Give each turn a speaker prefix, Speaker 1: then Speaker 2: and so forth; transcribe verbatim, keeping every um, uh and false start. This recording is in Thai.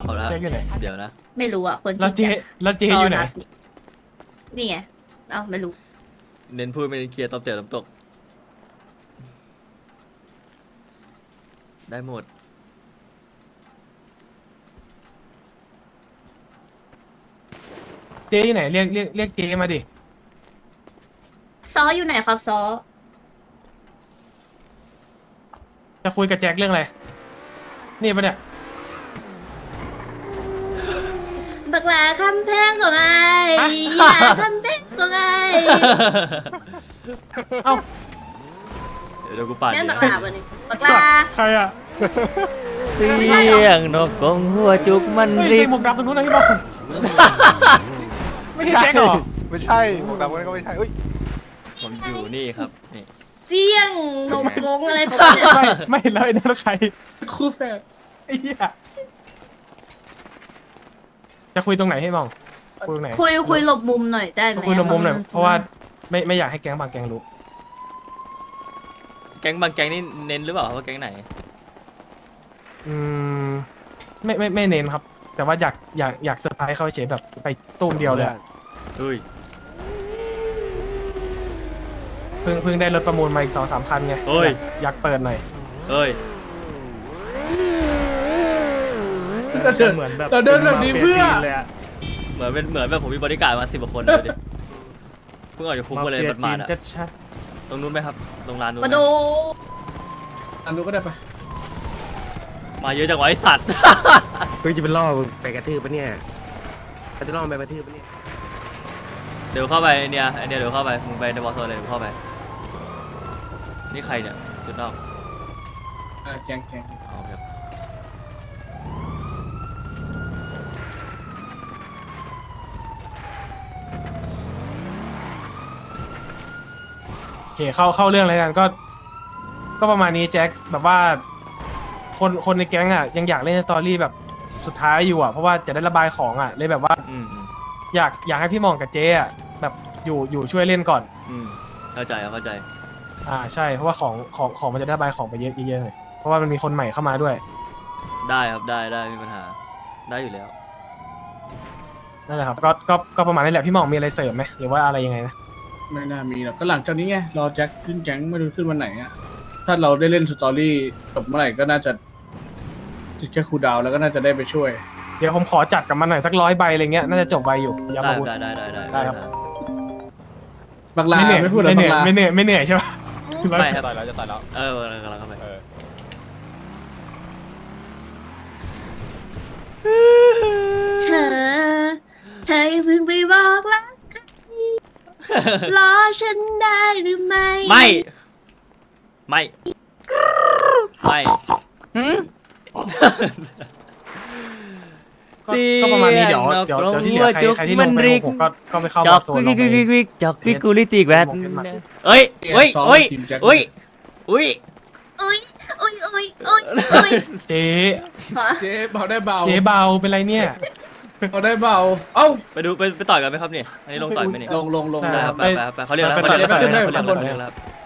Speaker 1: เอาละ
Speaker 2: แจ็คอยู่ไหน
Speaker 1: เดี๋ยวนะ
Speaker 3: ไม่รู้อ่ะคน
Speaker 2: แล้วเจ
Speaker 3: ชื่อ
Speaker 2: แล้วเจ
Speaker 3: แจ็ค
Speaker 2: อยู่ไหน
Speaker 3: ตดนี่ไงเอ้าไม่รู้
Speaker 1: เน้นพูดไม่เน้นเคลียร์ตอบเตี๋ยวน้ำตก ได้หมด
Speaker 2: เจอยู่ไหนเรียกเรียกเรียกเจมาดิ
Speaker 3: ซออยู่ไหนครับซอ
Speaker 2: จะคุยกับแจ็คเรื่องอะไรนี่ปะเนี่ย
Speaker 3: บักหลาคำแพงของไอ้อย่าคำแพงของไอ้
Speaker 2: เอ้า
Speaker 1: เดี๋ยวกูปั่น
Speaker 3: แม่น
Speaker 1: เดี๋
Speaker 3: บั
Speaker 1: ยว
Speaker 3: กหลาวันนี้บักห
Speaker 2: สัต
Speaker 3: ลา
Speaker 2: ว์ใครอ่ะ
Speaker 1: เสียงนกกงหัวจุกมัน
Speaker 2: เฮ้ย
Speaker 1: รี
Speaker 2: ใส่
Speaker 1: บ
Speaker 2: หมวกดำตรงนู้นนะพี่บอลไม่ใช่แจ็คเหรอ
Speaker 4: ไม่ใช่หมวกดำคนนั้นก็ไม่ใช่เอ้ย
Speaker 1: ผมอยู่นี่ครับนี่
Speaker 3: เสี่ยงนกกงอะไรของเนี่ย
Speaker 2: ไม่ไม่แล้วไอ้นั่นใครคู่แฝดไอ้เหี้ยจะคุยตรงไหนให้มองคุยตรงไหน
Speaker 3: คุยคุยหลบมุมหน่อยได้ไหม
Speaker 2: คุยลงมุมหน่อยเพราะว่าไม่ไม่อยากให้แก๊งบางแก๊งรู้
Speaker 1: แก๊งบางแก๊งนี่เน้นหรือเปล่าว่าแก๊งไหน
Speaker 2: อืมไม่ไม่ไม่เน้นครับ แต่ว่าอยากอยากอยากเซอร์ไพรส์เขาเฉยแบบไปตุ้มเดียวเลยอะ
Speaker 1: เฮ้ย
Speaker 2: เพิ่งเพิ่งได้รถประมูลมาอีกสองสามคันไง
Speaker 1: เฮ้ย
Speaker 2: อยากเปิดหน่อย
Speaker 1: เฮ้ย
Speaker 5: เราเดินเหมือนแบบเราเดินแบบนี้เพื่อ
Speaker 1: เหมือนเป็นเหมือนแบบผมมีบริการดมาสิบกว่าคนเลยดิเพิ่งออกจากคุกมาเลยมันมาอะ
Speaker 5: ชัด
Speaker 1: ตรงนู้นไหมครับ ตรงร้านนู้น
Speaker 3: มา
Speaker 1: ไหม
Speaker 3: ดู
Speaker 5: อันนู้นก็ได้ปะ
Speaker 1: มาเยอะจังวะไอสัตว์
Speaker 6: เฮ้ยจะไปล่อไปกระทืบปะเนี่ยเขาจะล่อไปกระทืบปะเนี่ย
Speaker 1: เดี๋ยวเข้าไปเนี่ยไอเนี่ยเดี๋ยวเข้าไปมึงไปในบอสโซนเลยเดี๋ยวเข้าไป นี่ใครเนี่ยจุดนอก
Speaker 5: อ่าแกงแกง
Speaker 1: อ๋อครับ
Speaker 2: โอเคเข้าเข้าเรื่องอะไรกันก็ ก็ประมาณนี้แจ็คแบบว่า คนคนในแก๊งอ่ะยังอยากเล่นสตอรี่แบบสุดท้ายอยู่อ่ะเพราะว่าจะได้ระบายของอ่ะเลยแบบว่า
Speaker 1: อืมอืม
Speaker 2: อยากอยากให้พี่หมองกับเจ๊อ่ะแบบอยู่อยู่ช่วยเล่นก่อน
Speaker 1: อืมเข้าใจครับเข้าใจ
Speaker 2: อ่าใช่เพราะว่าของของของมันจะได้ระบายของไปเยอะเยอะๆหน่อยเพราะว่ามันมีคนใหม่เข้ามาด้วย
Speaker 1: ได้ครับได้ได้ไม่มีปัญหา ได้อยู่แล้ว
Speaker 2: นั่นแหละครับก็ก็ก็ประมาณนี้แหละพี่หมองมีอะไรเสริมไหมหรือว่าอะไรยังไงนะ
Speaker 5: ไม่น่ามีหรอกก็หลังจากนี้ไงรอแจ็คขึ้นแก๊งไม่รู้ขึ้นวันไหนอ่ะถ้าเราได้เล่นสตอรี่จบเมื่อไหร่ก็น่าจะแค่คูลดาวน์แล้วก็น่าจะได้ไปช่วย
Speaker 2: เดี๋ยวผมขอจัดกับมันหน่อยสักร้อยใบอะไรเงี้ยน่าจะจบไวอยู่ยา
Speaker 1: ได้
Speaker 2: มาพูด
Speaker 1: ได้ได้ได้ได้
Speaker 2: ได้ครับ
Speaker 5: บักลา
Speaker 2: ไม่เหนื่อย
Speaker 5: ไม่พูดหรอ
Speaker 2: ไม่เห
Speaker 5: บั
Speaker 2: นื่อย
Speaker 5: กลา
Speaker 2: ไม่เหนื่อยไม่เหนื่อยใช่ปะ
Speaker 1: ไม่ครับ
Speaker 4: ต่อยแล้วจะต่อยแล้ว
Speaker 1: เออกำลังเข้าไป
Speaker 4: เออ
Speaker 3: เธอ เธออย่าเพิ่งไปบอกรักใครรอฉันได้หรือไม่
Speaker 1: ไม่ ไม่ไม่
Speaker 2: ก็ก็ประมาณนี้เดี๋ยวเดี๋ยวเดี๋ยวที่เหลือใครใครที่ลงไปผมก็ก็ไปเข้า
Speaker 1: จ
Speaker 2: มา
Speaker 1: อก
Speaker 2: โซน
Speaker 1: วิ
Speaker 2: ล
Speaker 1: ก
Speaker 2: งไป
Speaker 1: วิกวิกจอกวิกกูลิติกแวด
Speaker 2: ผมเป็นหมัด
Speaker 1: เอ้ยเอ้ยเอ้ยเอ้ยเอ้ย
Speaker 3: อุ้ยอุ้ยอุ้ยอุ้ยอุ้ย
Speaker 2: เจ๊
Speaker 3: ฮะ
Speaker 5: เจ๊เบาได้เบา
Speaker 2: เจ๊เบาเป็นไรเนี่ย
Speaker 5: เบาได้เบาเอ้า
Speaker 1: ไปดูไปไปต่อยกันไหมครับเนี่ยอันนี้ลงต่อยไหมเนี่ย
Speaker 5: ลงลงลง
Speaker 2: ใช่
Speaker 1: ได้
Speaker 2: ค
Speaker 1: ค
Speaker 2: รั
Speaker 1: รับ บไปไปไปเขาเรียกแล้วเขาเรียกแล้วเขาเรียกแล้วเขาเรียกแล้วครับ